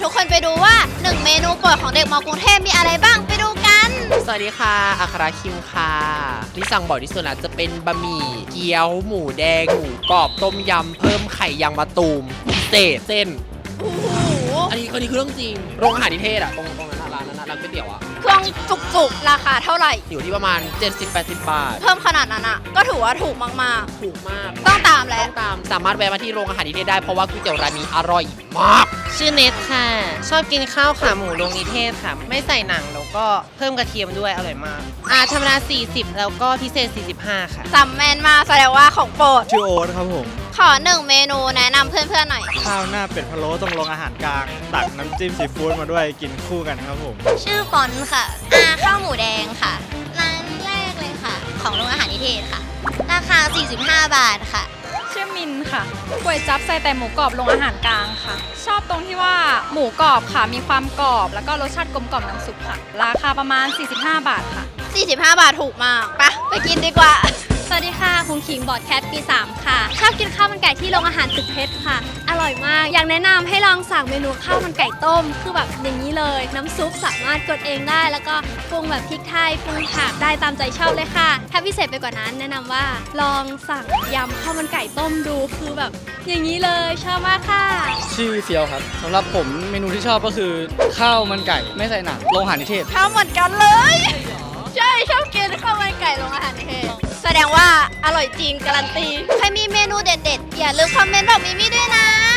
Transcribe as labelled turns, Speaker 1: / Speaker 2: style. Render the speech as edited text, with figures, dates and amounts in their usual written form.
Speaker 1: ทุกคนไปดูว่า1เมนูโปรดของเด็กม.กรุงเทพมีอะไรบ้างไปดูกัน
Speaker 2: สวัสดีค่ะอัคราคิมค่ะที่สั่งบ่อยที่สุดนะจะเป็นบะหมี่เกี๊ยวหมูแดงหมูกรอบต้มยำเพิ่มไข่ยางมะตูมพิเศษเส้นอันนี้คือเรื่องจริงโรงอาหารนิเทศอะตรงนั้นร้านนั้นร้านก๋วยเตี๋ยวอะ
Speaker 1: เครื่องจุกๆราคาเท่าไหร่
Speaker 2: อยู่ที่ประมาณ 70-80 บาท
Speaker 1: เพิ่มขนาดนั้นอะก็ถือว่าถูกมาก
Speaker 2: ถูกมาก
Speaker 1: ๆต้องตามแล้ว
Speaker 2: ต้องตามสามารถแวะมาที่โรงอาหารนิเทศได้เพราะว่าก๋วยเตี๋ยวร้านนี้อร่อยมาก
Speaker 3: ชื่อเนทค่ะ ชอบกินข้าวขาหมูโรงนิเทศค่ะ ไม่ใส่หนังแล้วก็เพิ่มกระเทียมด้วยอร่อยมากธรรมดา40แล้วก็พิเศษ45ค่ะ
Speaker 1: จำแม่นมากแสดงว่าของโปรด
Speaker 4: ชื่อโอ๊ตครับผม
Speaker 1: ขอ1เมนูแนะนำเพื่อนๆหน่อย
Speaker 4: ข้าวหน้าเป็ดพะโล้ตรงโรงอาหารกลางตักน้ำจิ้มซีฟู้ดมาด้วยกินคู่กันครับผม
Speaker 1: ชื่อฟอนค่ะข้าวหมูแดงค่ะร้านแรกเลยค่ะของโรงอาหารนิเทศค่ะราคา45 บาทค่ะ
Speaker 5: ชื่อมินค่ะก๋วยจั๊บใส่แต่หมูกรอบโรงอาหารกลางค่ะชอบตรงที่ว่าหมูกรอบค่ะมีความกรอบแล้วก็รสชาติกลมกล่อมน้ำซุปค่ะราคาประมาณ45 บาทค่ะ
Speaker 1: 45 บาทถูกมากไปกินดีกว่า
Speaker 5: สวัสดีค่ะคุณขิงบอดแคทปี3ค่ะชอบกินข้าวมันไก่ที่โรงอาหารตึกเพชรค่ะอร่อยมากอยากแนะนำให้ลองสั่งเมนูข้าวมันไก่ต้มคือแบบอย่างนี้เลยน้ำซุปสามารถกดเองได้แล้วก็ปรุงแบบพริกไทยปรุงผักได้ตามใจชอบเลยค่ะถ้าพิเศษไปกว่านั้นแนะนำว่าลองสั่งยำข้าวมันไก่ต้มดูคือแบบอย่างนี้เลยชอบมากค่ะ
Speaker 6: ชื่อเฟียวครับสำหรับผมเมนูที่ชอบก็คือข้าวมันไก่ไม่ใส่หนังโรงอาหารนิเทศ
Speaker 1: ข้าวเหมือนกันเลยใช่ชอบกินข้าวมันไก่โรงอาหารนิเทศแสดงว่าอร่อยจริงการันตีใครมีเมนูเด็ดๆอย่าลืมคอมเมนต์บอกมิมี่ด้วยนะ